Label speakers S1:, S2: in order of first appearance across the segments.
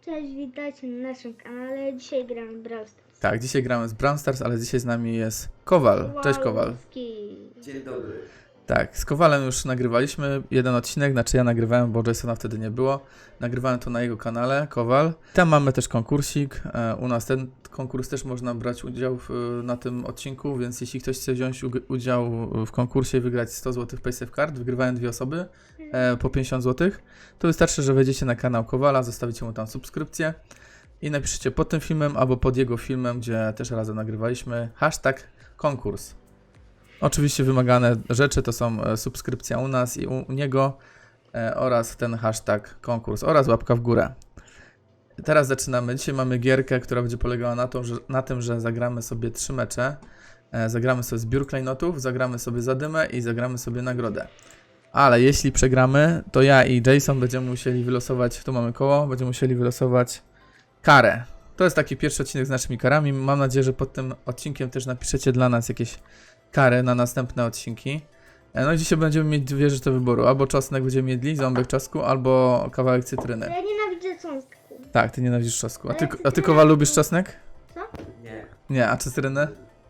S1: Cześć, witajcie na naszym kanale. Dzisiaj gramy w Brawl Stars.
S2: Tak, dzisiaj gramy z Brawl Stars, ale dzisiaj z nami jest Kowal. Cześć Kowal.
S1: Kowalski.
S3: Dzień dobry.
S2: Tak, z Kowalem już nagrywaliśmy jeden odcinek, znaczy ja nagrywałem, bo Jasona wtedy nie było. Nagrywałem to na jego kanale, Kowal. Tam mamy też konkursik. U nas ten konkurs też można brać udział na tym odcinku, więc jeśli ktoś chce wziąć udział w konkursie i wygrać 100 zł PaySafe Card, wygrywają dwie osoby po 50 zł, to wystarczy, że wejdziecie na kanał Kowala, zostawicie mu tam subskrypcję i napiszecie pod tym filmem albo pod jego filmem, gdzie też razem nagrywaliśmy, hashtag konkurs. Oczywiście wymagane rzeczy to są subskrypcja u nas i u niego oraz ten hashtag konkurs oraz łapka w górę. Teraz zaczynamy. Dzisiaj mamy gierkę, która będzie polegała na tym, że zagramy sobie 3 mecze. Zagramy sobie zbiór klejnotów, zagramy sobie zadymę i zagramy sobie nagrodę. Ale jeśli przegramy, to ja i Jason będziemy musieli wylosować, tu mamy koło, będziemy musieli wylosować karę. To jest taki pierwszy odcinek z naszymi karami. Mam nadzieję, że pod tym odcinkiem też napiszecie dla nas jakieś kary na następne odcinki. No i dzisiaj będziemy mieć dwie rzeczy do wyboru. Albo czosnek będziemy jedli, ząbek czosnku, albo kawałek cytryny.
S1: Ja nienawidzę cząstku.
S2: Tak, ty nienawidzisz czosnku. A ty Kowal, lubisz czosnek?
S3: Nie,
S2: Nie, a cytrynę?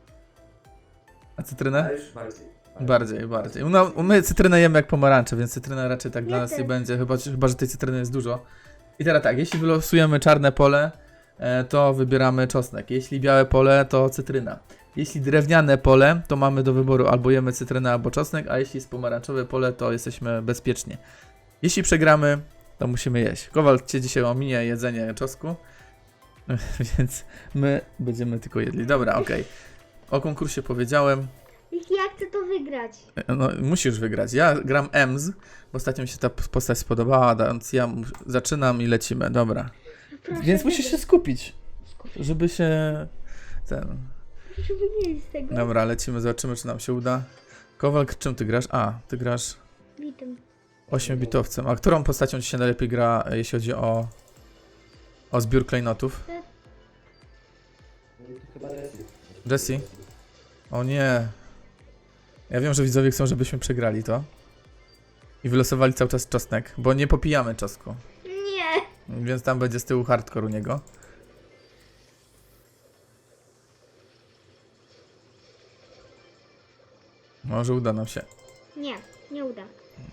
S2: A cytrynę?
S3: ale już bardziej.
S2: Bardziej. My cytrynę jemy jak pomarańcze, więc cytryna raczej tak dla
S1: Ja
S2: nas nie
S1: też.
S2: będzie, chyba że tej cytryny jest dużo. I teraz tak, jeśli wylosujemy czarne pole, to wybieramy czosnek. Jeśli białe pole, to cytryna. Jeśli drewniane pole, to mamy do wyboru albo jemy cytrynę, albo czosnek, a jeśli jest pomarańczowe pole, to jesteśmy bezpieczni. Jeśli przegramy, to musimy jeść. Kowal cię dzisiaj ominie jedzenie czosnku, więc my będziemy tylko jedli. Dobra, okej. O konkursie powiedziałem.
S1: Jeśli ja chcę to wygrać.
S2: No, musisz wygrać. Ja gram EMS, bo ostatnio mi się ta postać spodobała, więc ja zaczynam i lecimy. Dobra.
S1: Proszę,
S2: Więc musisz się skupić, żeby się...
S1: Żeby nie iść z tego.
S2: Dobra, lecimy, zobaczymy, czy nam się uda. Kowal, czym ty grasz? A, ty grasz
S1: Witam.
S2: 8-bitowcem. A którą postacią ci się najlepiej gra, jeśli chodzi o zbiór klejnotów?
S3: Chyba jest.
S2: Jessie? O nie. Ja wiem, że widzowie chcą, żebyśmy przegrali to. I wylosowali cały czas czosnek, bo nie popijamy czosnku.
S1: Nie.
S2: Więc tam będzie z tyłu hardcore u niego. Może uda nam się.
S1: Nie, nie uda.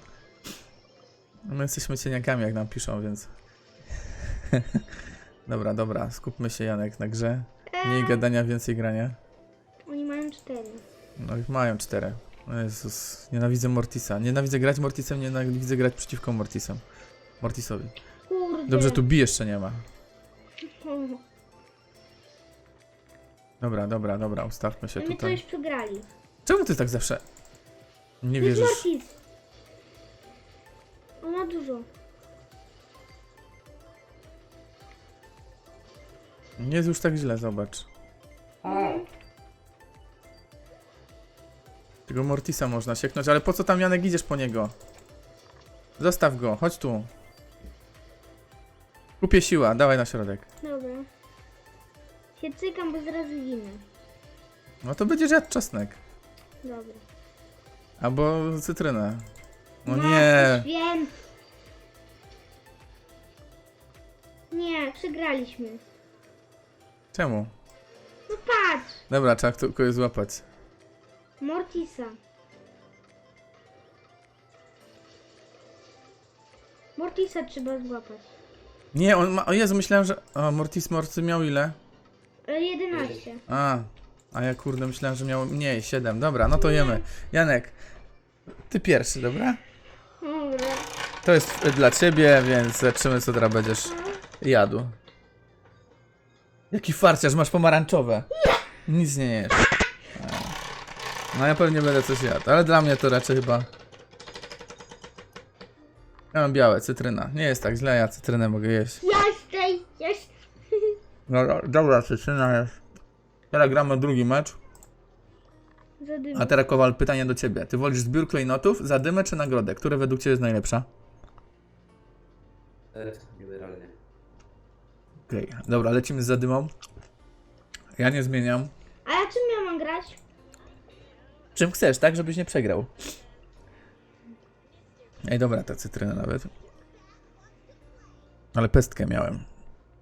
S2: My jesteśmy cieniakami, jak nam piszą, więc... Dobra, skupmy się, Janek, na grze. Mniej gadania, więcej grania.
S1: Oni mają 4.
S2: No ich mają 4. O Jezus, nienawidzę Mortisa. Nienawidzę grać Mortisem, nienawidzę grać przeciwko Mortisowi.
S1: Kurde.
S2: Dobrze, tu bij jeszcze nie ma. Dobra, ustawmy się
S1: My to
S2: tutaj.
S1: już przegrali.
S2: Czemu ty tak zawsze nie
S1: To jest
S2: wierzysz?
S1: Mortis. On ma dużo.
S2: Nie jest już tak źle, zobacz. Tego Mortisa można sieknąć, ale po co tam, Janek, idziesz po niego? Zostaw go, chodź tu. Kupię siła, dawaj na środek.
S1: Dobra. Się cykam, bo zaraz ginę.
S2: No to będziesz jadł czosnek.
S1: Dobra.
S2: Albo cytrynę. No
S1: Matko
S2: nie.
S1: Święta. Nie, przegraliśmy.
S2: Czemu?
S1: No patrz!
S2: Dobra, trzeba kogoś złapać.
S1: Mortisa. Mortisa trzeba złapać.
S2: Nie, on ma... O Jezu, myślałem, że... O, Mortis miał ile?
S1: 11.
S2: A ja kurde myślałem, że miał mniej, 7. Dobra, no to jemy. Janek, ty pierwszy, dobra?
S1: Dobra.
S2: To jest dla ciebie, więc zobaczymy, co teraz będziesz jadł. Jaki farciarz, masz pomarańczowe. Nic nie jesz. No ja pewnie będę coś jadł, ale dla mnie to raczej chyba... Ja mam białe, cytryna. Nie jest tak źle, ja cytrynę mogę jeść.
S1: Jest.
S2: Dobra, cytryna jest. Teraz gramy drugi mecz. A teraz, Kowal, pytanie do ciebie. Ty wolisz zbiór klejnotów, zadymę czy nagrodę? Które według ciebie jest najlepsza?
S3: Generalnie.
S2: Okej, dobra, lecimy z zadymą. Ja nie zmieniam.
S1: A ja czym ja mam grać?
S2: Czym chcesz, tak? Żebyś nie przegrał. Ej, dobra, ta cytryna nawet. Ale pestkę miałem.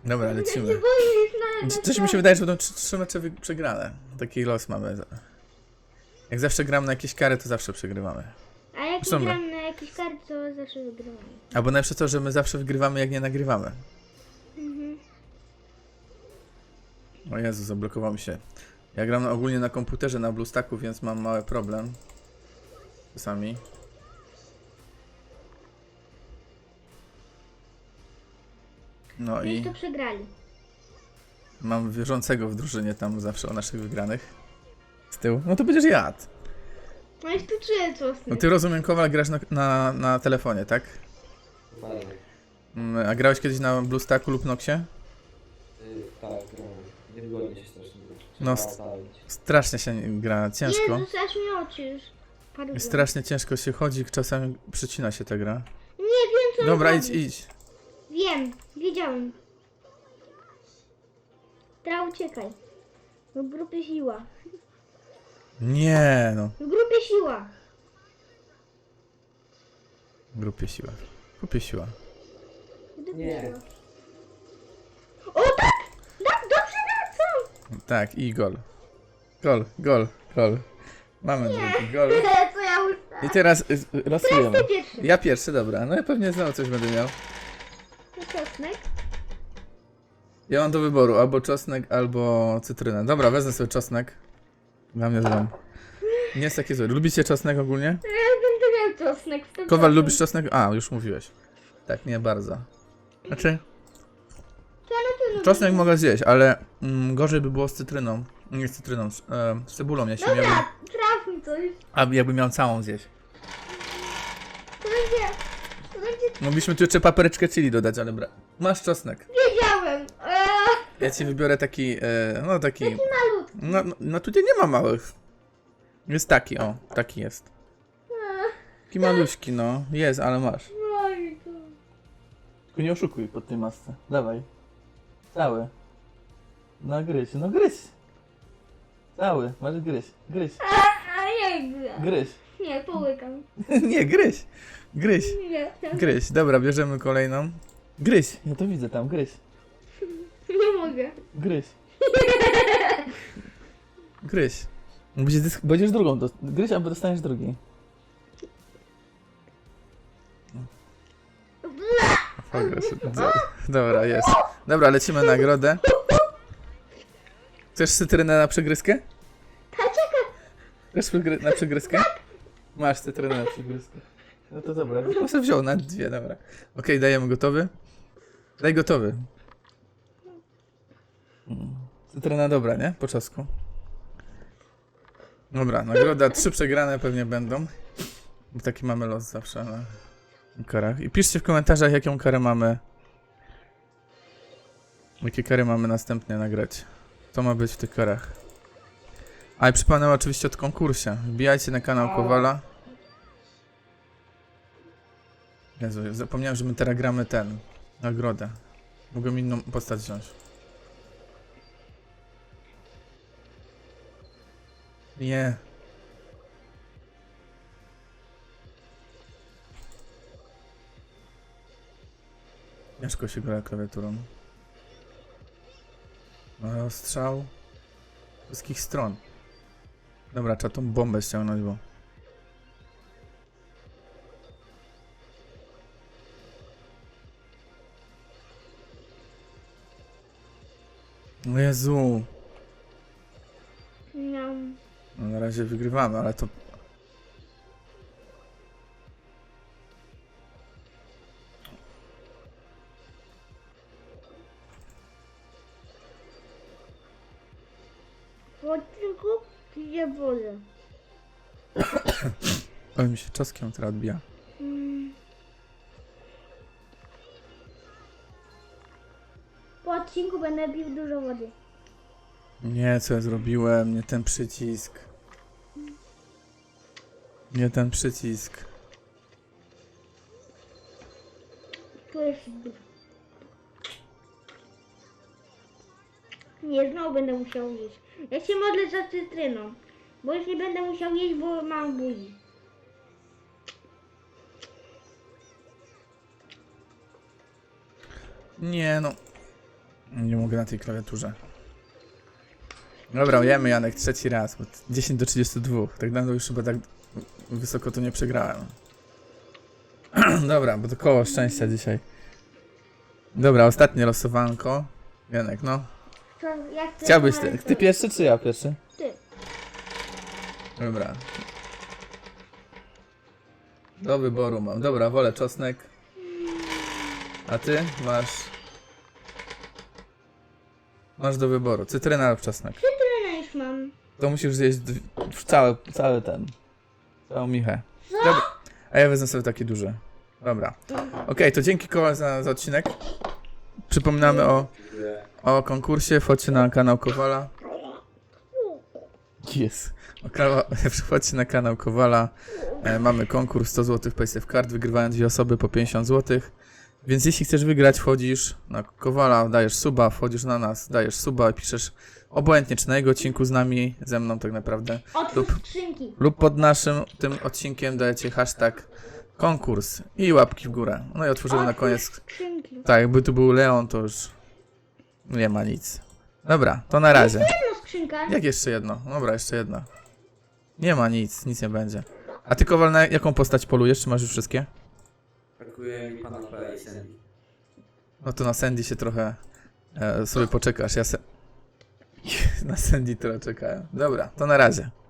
S2: Dobra, lecimy.
S1: Boisz na
S2: Coś mi się wydaje, że będą 3 mecze przegrane. Taki los mamy. Jak zawsze gram na jakieś kary, to zawsze przegrywamy.
S1: A jak
S2: Zresztą
S1: nie
S2: my.
S1: gram na jakiś kart, to zawsze wygrywam.
S2: Albo najlepsze to, że my zawsze wygrywamy, jak nie nagrywamy.
S1: Mhm.
S2: O Jezu, zablokował mi się. Ja gram ogólnie na komputerze, na BlueStacku, więc mam mały problem. Czasami. No
S1: Już
S2: i
S1: to przegrali.
S2: mam wierzącego w drużynie tam zawsze o naszych wygranych. Z tyłu. No to będziesz jadł.
S1: No i tu czuję
S2: No
S1: czosnek.
S2: ty, rozumiem, Kowal, grasz na telefonie, tak?
S3: Dokładnie.
S2: A grałeś kiedyś na BlueStacku lub Noxie?
S3: Tak, grałem. Niewygodnie się strasznie gra.
S2: No,
S3: Trzeba odstawić.
S2: Strasznie się gra, ciężko.
S1: Jezus, aż mi oczy już padły.
S2: I strasznie ciężko się chodzi, czasami przycina się ta gra.
S1: Nie wiem co
S2: Dobra,
S1: robić.
S2: idź.
S1: Wiem, wiedziałem. Teraz uciekaj. W grupie siła.
S2: Nie, no.
S1: W grupie siła.
S2: W grupie siła. W grupie siła.
S1: W grupie
S3: Nie.
S1: siła. O tak! Tak, dobrze wracam!
S2: Tak, i gol. Gol. Mamy drugi gol.
S1: Co ja już...
S2: I teraz losujemy.
S1: Ty pierwszy.
S2: Ja pierwszy, dobra. No ja pewnie znowu coś będę miał.
S1: Czosnek.
S2: Ja mam do wyboru albo czosnek, albo cytrynę. Dobra, wezmę sobie czosnek. Dla mnie złom. Nie jest takie złe. Lubicie czosnek ogólnie?
S1: Ja będę miał czosnek. 100%.
S2: Kowal, lubisz czosnek? A, już mówiłeś. Tak, nie bardzo. Znaczy,
S1: Ja na pewno
S2: czosnek
S1: będę-
S2: mogę zjeść, ale gorzej by było z cytryną. Nie z cytryną, z cebulą, jeśli miałbym.
S1: Dobra, traf mi coś.
S2: A jakbym miał całą zjeść.
S1: To będzie... To będzie...
S2: Mogliśmy tu jeszcze papryczkę chili dodać, ale masz czosnek.
S1: Wiedziałem.
S2: Ja ci wybiorę taki, no taki...
S1: Malutki.
S2: No tutaj nie ma małych. Jest taki, o, taki jest. Taki maluśki, no. Jest, ale masz.
S1: Oj, to...
S2: Tylko nie oszukuj pod tej masce. Dawaj. Cały. No gryź, no gryź. Cały, masz gryź.
S1: A nie gra.
S2: Gryź.
S1: Nie, połykam.
S2: Nie, gryź. Gryź.
S1: Nie,
S2: Gryź. Dobra, bierzemy kolejną. Gryź. Ja to widzę tam, gryź.
S1: nie mogę.
S2: Gryź. Gryź. Będziesz drugą. Gryź, albo dostaniesz drugi. Dobra, jest. Dobra, lecimy na nagrodę. Chcesz cytrynę na przegryzkę? Chcesz na przegryzkę? Masz cytrynę na przegryzkę. No to dobra, bym sobie wziął na 2, dobra. Okej, dajemy gotowy. Daj gotowy. Cytryna dobra, nie? Po czosku. Dobra, nagroda 3 przegrane pewnie będą. Bo taki mamy los zawsze na karach. I piszcie w komentarzach, jaką karę mamy. Jakie kary mamy następnie nagrać. Co ma być w tych karach. A i przypomnę oczywiście o konkursie. Wbijajcie na kanał Kowala. Jezu, zapomniałem, że my teraz gramy nagrodę. Mogłem inną postać wziąć. Nie. Ciężko się gra klawiaturą. No, strzał z wszystkich stron. Dobra, trzeba tą bombę ściągnąć, bo... O Jezu.
S1: Miałam.
S2: No, na razie wygrywamy, ale to...
S1: W odcinku piję wodę.
S2: Ale mi się czoskiem teraz odbija.
S1: Po odcinku będę pił dużo wody.
S2: Nie, co ja zrobiłem? Nie ten przycisk. Nie ten przycisk.
S1: To jest... Nie, znowu będę musiał jeść. Ja się modlę za cytryną. Bo już nie będę musiał jeść, bo mam buzi.
S2: Nie no. Nie mogę na tej klawiaturze. Dobra, jemy Janek, trzeci raz, bo 10 do 32. Tak dawno już chyba tak wysoko to nie przegrałem. Dobra, bo to koło szczęścia dzisiaj. Dobra, ostatnie losowanko. Janek, no.
S1: Co, jak ty
S2: Chciałbyś
S1: numerek
S2: ty
S1: zrobić?
S2: pierwszy czy ja pierwszy?
S1: Ty.
S2: Dobra. Do wyboru mam. Dobra, wolę czosnek. A ty masz... Masz do wyboru. Cytryna lub czosnek.
S1: Cytrynę już mam.
S2: To musisz zjeść cały ten. Całą michę. Dobra. A ja wezmę sobie taki duży. Dobra. Okej, to dzięki Kowal za odcinek. Przypominamy
S3: Dziękuję.
S2: o konkursie. Wchodźcie na kanał Kowala. Jest. Wchodźcie na kanał Kowala. Mamy konkurs 100 zł Paysafe Card. Wygrywają 2 osoby po 50 zł. Więc jeśli chcesz wygrać, wchodzisz na Kowala, dajesz suba, wchodzisz na nas, dajesz suba i piszesz obojętnie czy na jego odcinku z nami, ze mną tak naprawdę.
S1: Otwórz skrzynki.
S2: Lub pod naszym tym odcinkiem dajecie hashtag konkurs i łapki w górę. No i otworzymy na koniec.
S1: Skrzynki.
S2: Tak, jakby tu był Leon, to już nie ma nic. Dobra, to na razie.
S1: Jedno skrzynka.
S2: Jak jeszcze jedno? Dobra, jeszcze jedno. Nie ma nic nie będzie. A ty, Kowal, na jaką postać polujesz? Czy masz już wszystkie?
S3: Brakuje mi pana Play i Sandy.
S2: No to na Sandy się trochę sobie poczekasz. Na Sandy trochę czekałem. Dobra, to na razie.